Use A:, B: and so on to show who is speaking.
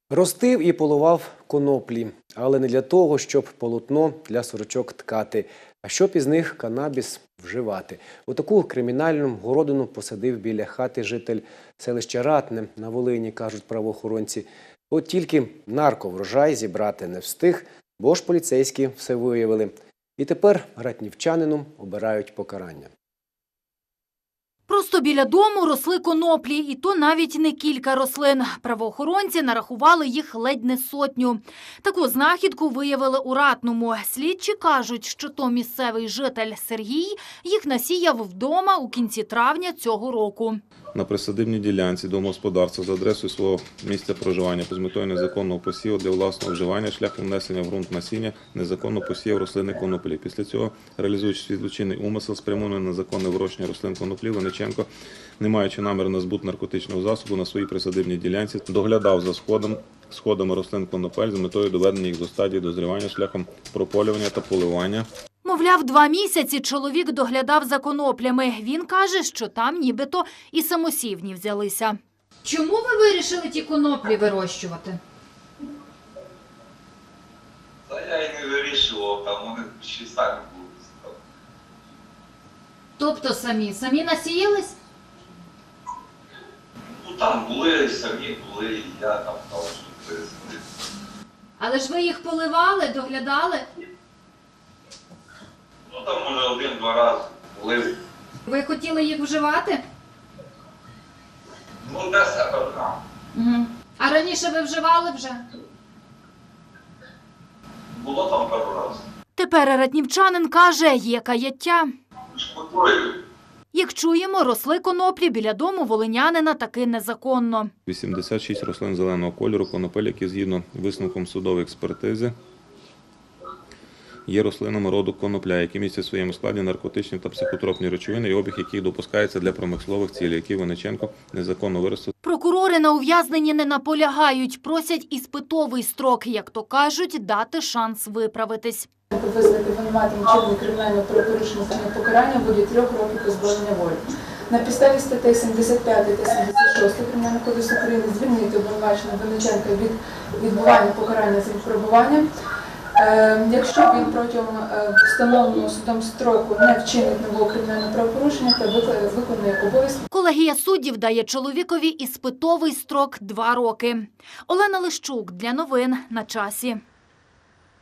A: Ростив і полував коноплі, але не для того, щоб полотно для сорочок ткати, а щоб із них канабіс вживати. У таку кримінальну городину посадив біля хати житель селища Ратне на Волині, кажуть правоохоронці. От тільки нарковрожай зібрати не встиг, бо ж поліцейські все виявили. І тепер ратнівчанину обирають покарання.
B: Просто біля дому росли коноплі, і то навіть не кілька рослин. Правоохоронці нарахували їх ледь не сотню. Таку знахідку виявили у Ратному. Слідчі кажуть, що то місцевий житель Сергій їх насіяв вдома у кінці травня цього року.
C: На присадибній ділянці домогосподарства за адресою свого місця проживання з метою незаконного посіву для власного вживання шляхом внесення в ґрунт насіння незаконно посіяв рослини коноплі. Після цього, реалізуючи свій злочинний умисел, спрямований на законне вирощення рослин коноплі, Винниченко, не маючи наміру на збут наркотичного засобу на своїй присадибній ділянці, доглядав за сходами рослин конопель з метою доведення їх до стадії дозрівання шляхом прополювання та поливання.
B: Мовляв, 2 місяці чоловік доглядав за коноплями. Він каже, що там нібито і самосівні взялися. Чому ви вирішили ті коноплі вирощувати?
D: Та я і не вирішував, там вони ще самі були.
B: Тобто самі насіялись?
D: Ну там були, самі були, і я там став, що пересадити.
B: Але ж ви їх поливали, доглядали?
D: Ну там може 1-2 рази були.
B: Ви хотіли їх вживати?
D: Ну для себе там.
B: Угу. А раніше ви вживали вже?
D: Було там пару разів.
B: Тепер ратнівчанин каже, є каяття.
D: Шкодую.
B: Як чуємо, росли коноплі біля дому волинянина таки незаконно.
C: 86 рослин зеленого кольору конопель, які згідно висновком судової експертизи є рослинами роду конопля, які містять в своєму складі наркотичні та психотропні речовини, і обіг яких допускається для промислових цілей, які Винниченко незаконно виростив.
B: Прокурори на ув'язненні не наполягають, просять іспитовий строк, як то кажуть, дати шанс виправитись.
E: Визнати винуватим вчинення кримінального правопорушення з покарання буде 3 років позбавлення волі. На підставі статей 75 та 76 Кримінального кодексу України звільнити обвинуваченого Винниченка від відбування покарання за випробуванням, якщо він протягом встановленого судом строку не вчинить нового кримінального правопорушення та виконує обов'язки.
B: Колегія суддів дає чоловікові іспитовий строк 2 роки. Олена Лищук для новин на часі.